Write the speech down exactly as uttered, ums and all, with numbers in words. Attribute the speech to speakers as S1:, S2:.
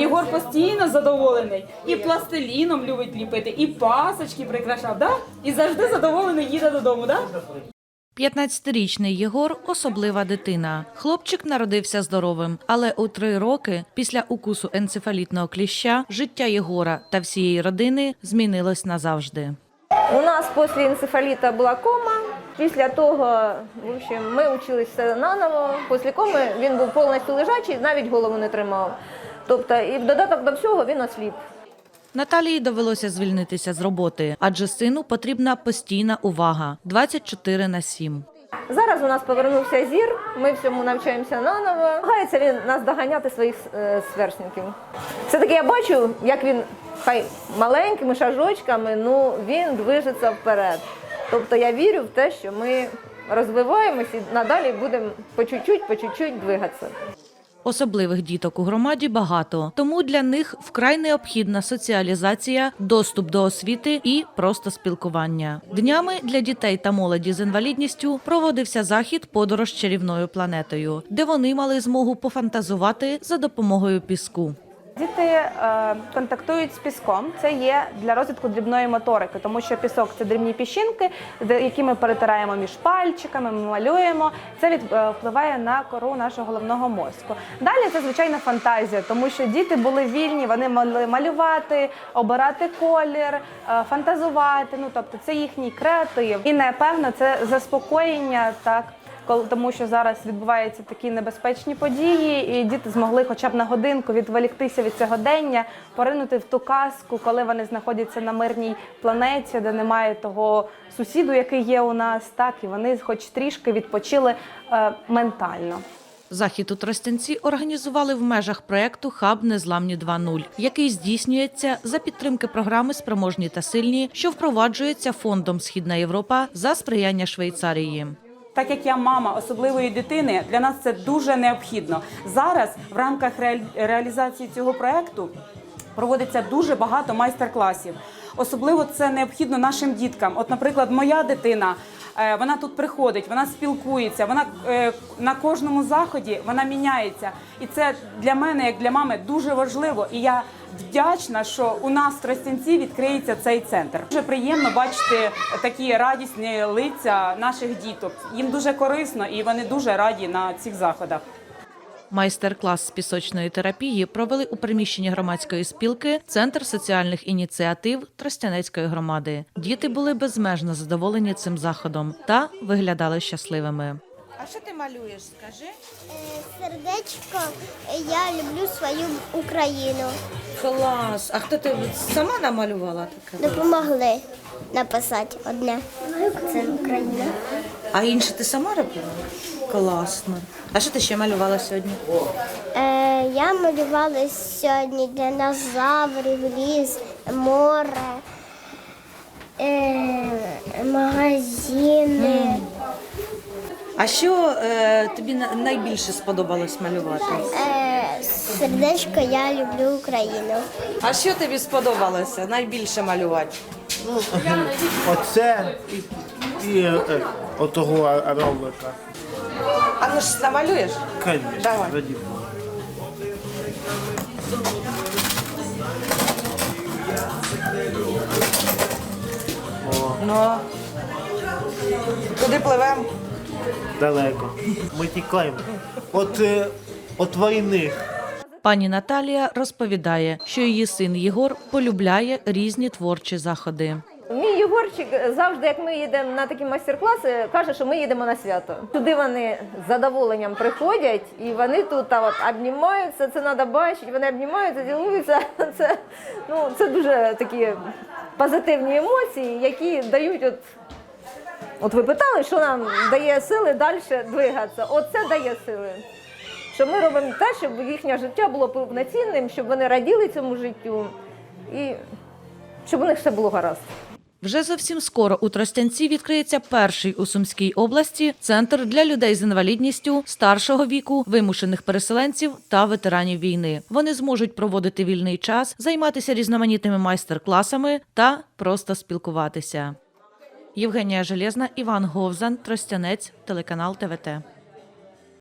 S1: Єгор постійно задоволений. І пластиліном любить ліпити, і пасочки прикрашав, да? І завжди задоволений їде додому, да?
S2: п'ятнадцятирічний Єгор – особлива дитина. Хлопчик народився здоровим, але у три роки після укусу енцефалітного кліща життя Єгора та всієї родини змінилось назавжди.
S3: У нас після енцефаліта була кома. Після того, в общем, ми вчилися наново. Після коми він був повністю лежачий, навіть голову не тримав. Тобто, і в додаток до всього він осліп.
S2: Наталії довелося звільнитися з роботи, адже сину потрібна постійна увага – двадцять чотири на сім.
S3: Зараз у нас повернувся зір, ми всьому навчаємося наново. Намагається він нас доганяти своїх е, сверстників. Все-таки я бачу, як він, хай маленькими шажочками, ну він движеться вперед. Тобто я вірю в те, що ми розвиваємось і надалі будемо по чуть-чуть, по чуть-чуть двигатися.
S2: Особливих діток у громаді багато, тому для них вкрай необхідна соціалізація, доступ до освіти і просто спілкування. Днями для дітей та молоді з інвалідністю проводився захід «Подорож чарівною планетою», де вони мали змогу пофантазувати за допомогою піску.
S4: Діти е, контактують з піском. Це є для розвитку дрібної моторики, тому що пісок – це дрібні піщинки, які ми перетираємо між пальчиками, ми малюємо. Це від, е, впливає на кору нашого головного мозку. Далі це, звичайно, фантазія, тому що діти були вільні, вони могли малювати, обирати колір, е, фантазувати, ну, тобто це їхній креатив. І, напевно, це заспокоєння, так, тому що зараз відбуваються такі небезпечні події, і діти змогли хоча б на годинку відволіктися від сьогодення, поринути в ту казку, коли вони знаходяться на мирній планеті, де немає того сусіду, який є у нас, так, і вони хоч трішки відпочили е, ментально.
S2: Захід у Тростянці організували в межах проєкту «Хаб Незламні два нуль», який здійснюється за підтримки програми «Спроможні та сильні», що впроваджується Фондом «Східна Європа» за сприяння Швейцарії.
S1: Так як я мама особливої дитини, для нас це дуже необхідно. Зараз в рамках реалізації цього проєкту проводиться дуже багато майстер-класів. Особливо це необхідно нашим діткам. От, наприклад, моя дитина, вона тут приходить, вона спілкується, вона на кожному заході вона міняється. І це для мене, як для мами, дуже важливо. І я вдячна, що у нас в Тростянці відкриється цей центр. Дуже приємно бачити такі радісні лиця наших діток. Їм дуже корисно і вони дуже раді на цих заходах.
S2: Майстер-клас з пісочної терапії провели у приміщенні громадської спілки «Центр соціальних ініціатив» Тростянецької громади. Діти були безмежно задоволені цим заходом та виглядали щасливими.
S5: А що ти малюєш, скажи?
S6: Сердечко, я люблю свою Україну.
S5: Клас! А хто ти сама намалювала таке?
S6: Допомогли написати одне. Це Україна.
S5: А інше ти сама робила? Класно. А що ти ще малювала сьогодні?
S6: Е, я малювала сьогодні динозаврів, ліс, море, е, магазини.
S5: А що е, тобі найбільше сподобалось малювати?
S6: Е, сердечко, я люблю Україну.
S5: А що тобі сподобалося найбільше малювати?
S7: Оце і, і е, отого ровлика.
S5: А ну ж намалюєш?
S7: Конечно,
S5: Давай.
S7: раді Бога.
S5: Ну, куди пливемо?
S7: Далеко. Ми тікаємо. От, е, от війни.
S2: Пані Наталія розповідає, що її син Єгор полюбляє різні творчі заходи.
S3: Мій Єгорчик завжди, як ми їдемо на такі майстер-класи, каже, що ми їдемо на свято. Туди вони з задоволенням приходять, і вони тут а от, обнімаються, це треба бачити, вони обнімаються, цілуються. Це, ну, це дуже такі позитивні емоції, які дають, от, от ви питали, що нам дає сили далі двигатися. Оце дає сили. Що ми робимо те, щоб їхнє життя було повноцінним, щоб вони раділи цьому життю і щоб у них все було гаразд.
S2: Вже зовсім скоро у Тростянці відкриється перший у Сумській області центр для людей з інвалідністю, старшого віку, вимушених переселенців та ветеранів війни. Вони зможуть проводити вільний час, займатися різноманітними майстер-класами та просто спілкуватися. Євгенія Железна, Іван Говзан, Тростянець, телеканал Т В Т.